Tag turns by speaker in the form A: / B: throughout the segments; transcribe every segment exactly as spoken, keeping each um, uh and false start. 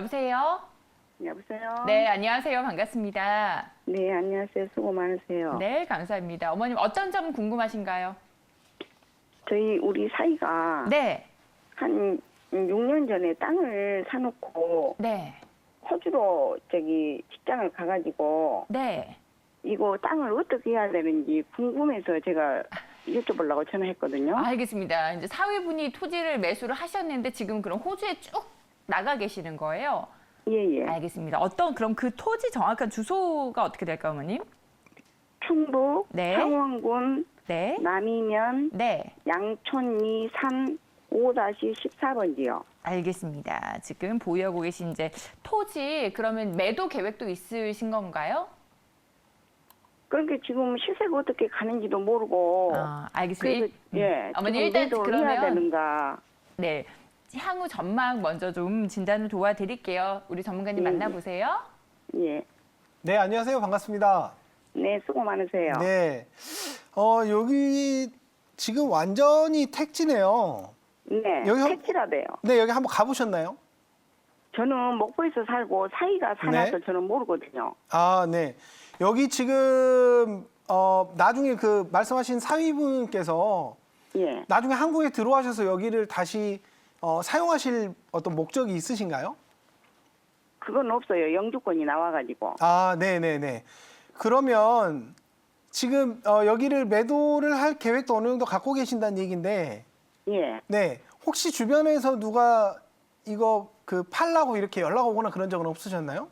A: 여보세요?
B: 여보세요?
A: 네, 안녕하세요. 반갑습니다.
B: 네, 안녕하세요. 수고 많으세요.
A: 네, 감사합니다. 어머님 어떤 점 궁금하신가요?
B: 저희 우리 사이가
A: 네,
B: 한 육 년 전에 땅을 사놓고
A: 네,
B: 호주로 저기 직장을 가가지고
A: 네.
B: 이거 땅을 어떻게 해야 되는지 궁금해서 제가 여쭤보려고 전화했거든요.
A: 알겠습니다. 이제 사위분이 토지를 매수를 하셨는데 지금 그럼 호주에 쭉 나가 계시는 거예요?
B: 예, 예.
A: 알겠습니다. 어떤 그럼 그 토지 정확한 주소가 어떻게 될까요, 어머님?
B: 충북
A: 네.
B: 창원군
A: 네,
B: 남이면
A: 네.
B: 양촌리 삼 오 십사 번지요.
A: 알겠습니다. 지금 보유하고 계신 이제 토지 그러면 매도 계획도 있으신 건가요?
B: 그러니까 지금 시세가 어떻게 가는지도 모르고
A: 아, 알겠습니다.
B: 그래서
A: 일-
B: 예,
A: 음. 어머니
B: 지금
A: 일단
B: 매도를 해야
A: 그러면
B: 되는가.
A: 네, 향후 전망 먼저 좀 진단을 도와드릴게요. 우리 전문가님
B: 예,
A: 만나보세요.
B: 예.
C: 네, 안녕하세요. 반갑습니다.
B: 네, 수고 많으세요.
C: 네. 어, 여기 지금 완전히 택지네요.
B: 네,
C: 여기 한-
B: 택지라대요.
C: 네, 여기 한번 가보셨나요?
B: 저는 목포에서 살고 사이가 살아서
C: 네.
B: 저는 모르거든요.
C: 아, 네. 여기 지금, 어, 나중에 그 말씀하신 사위분께서
B: 예.
C: 나중에 한국에 들어와셔서 여기를 다시 어, 사용하실 어떤 목적이 있으신가요?
B: 그건 없어요. 영주권이 나와가지고.
C: 아, 네네네. 그러면 지금 어, 여기를 매도를 할 계획도 어느 정도 갖고 계신다는 얘기인데,
B: 예.
C: 네. 혹시 주변에서 누가 이거 그 팔라고 이렇게 연락 오거나 그런 적은 없으셨나요?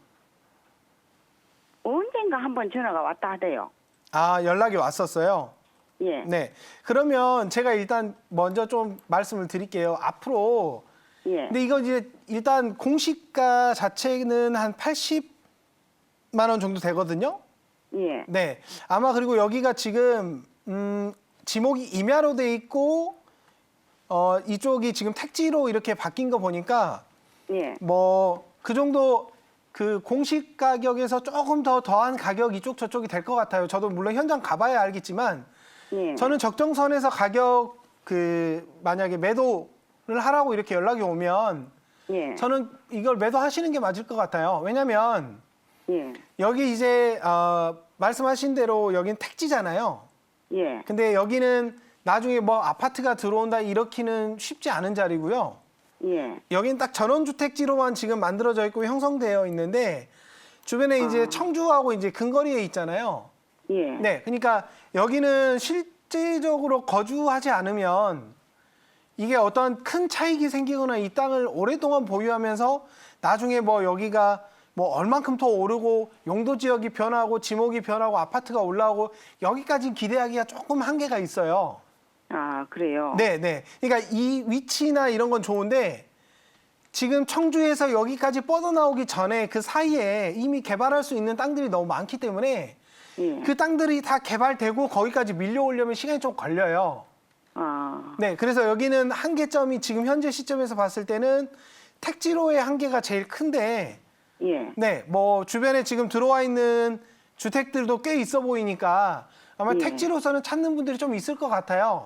B: 언젠가 한번 전화가 왔다 하대요.
C: 아, 연락이 왔었어요.
B: 예.
C: 네. 그러면 제가 일단 먼저 좀 말씀을 드릴게요. 앞으로
B: 예.
C: 근데 이거 이제 일단 공시가 자체는 한 팔십만 원 정도 되거든요.
B: 예.
C: 네. 아마 그리고 여기가 지금 음, 지목이 임야로 돼 있고 어, 이쪽이 지금 택지로 이렇게 바뀐 거 보니까
B: 예.
C: 뭐 그 정도 그 공식 가격에서 조금 더 더한 가격 이쪽 저쪽이 될 것 같아요. 저도 물론 현장 가봐야 알겠지만
B: 예.
C: 저는 적정선에서 가격 그 만약에 매도를 하라고 이렇게 연락이 오면
B: 예.
C: 저는 이걸 매도하시는 게 맞을 것 같아요. 왜냐하면
B: 예.
C: 여기 이제 어, 말씀하신 대로 여긴 택지잖아요.
B: 예.
C: 근데 여기는 나중에 뭐 아파트가 들어온다 이렇게는 쉽지 않은 자리고요.
B: 예.
C: 여긴 딱 전원주택지로만 지금 만들어져 있고 형성되어 있는데 주변에 이제
B: 아.
C: 청주하고 이제 근거리에 있잖아요.
B: 예.
C: 네, 그러니까 여기는 실제적으로 거주하지 않으면 이게 어떤 큰 차익이 생기거나 이 땅을 오랫동안 보유하면서 나중에 뭐 여기가 뭐 얼만큼 더 오르고 용도 지역이 변하고 지목이 변하고 아파트가 올라오고 여기까지 기대하기가 조금 한계가 있어요.
B: 아, 그래요?
C: 네, 네. 그러니까 이 위치나 이런 건 좋은데 지금 청주에서 여기까지 뻗어나오기 전에 그 사이에 이미 개발할 수 있는 땅들이 너무 많기 때문에
B: 예.
C: 그 땅들이 다 개발되고 거기까지 밀려오려면 시간이 좀 걸려요.
B: 아.
C: 네, 그래서 여기는 한계점이 지금 현재 시점에서 봤을 때는 택지로의 한계가 제일 큰데
B: 예.
C: 네, 뭐 주변에 지금 들어와 있는 주택들도 꽤 있어 보이니까 아마
B: 예.
C: 택지로서는 찾는 분들이 좀 있을 것 같아요.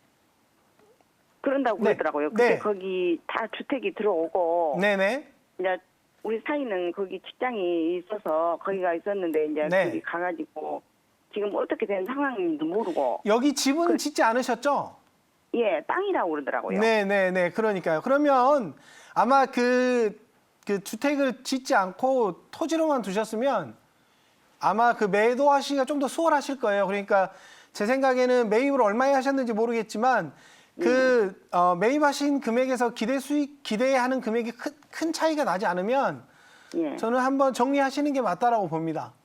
B: 그런다고
C: 네.
B: 그러더라고요. 근데
C: 네.
B: 거기 다 주택이 들어오고
C: 네네.
B: 이제 우리 사이는 거기 직장이 있어서 거기가 있었는데 이제
C: 네.
B: 거기 가가지고 지금 어떻게 된 상황인지도 모르고
C: 여기 집은
B: 그-
C: 짓지 않으셨죠?
B: 예 땅이라고 그러더라고요.
C: 네네네. 그러니까요. 그러면 아마 그, 그 주택을 짓지 않고 토지로만 두셨으면 아마 그 매도하시기가 좀 더 수월하실 거예요. 그러니까 제 생각에는 매입을 얼마에 하셨는지 모르겠지만 그 어, 매입하신 금액에서 기대 수익, 기대하는 금액이 큰, 큰 차이가 나지 않으면
B: 예.
C: 저는 한번 정리하시는 게 맞다라고 봅니다.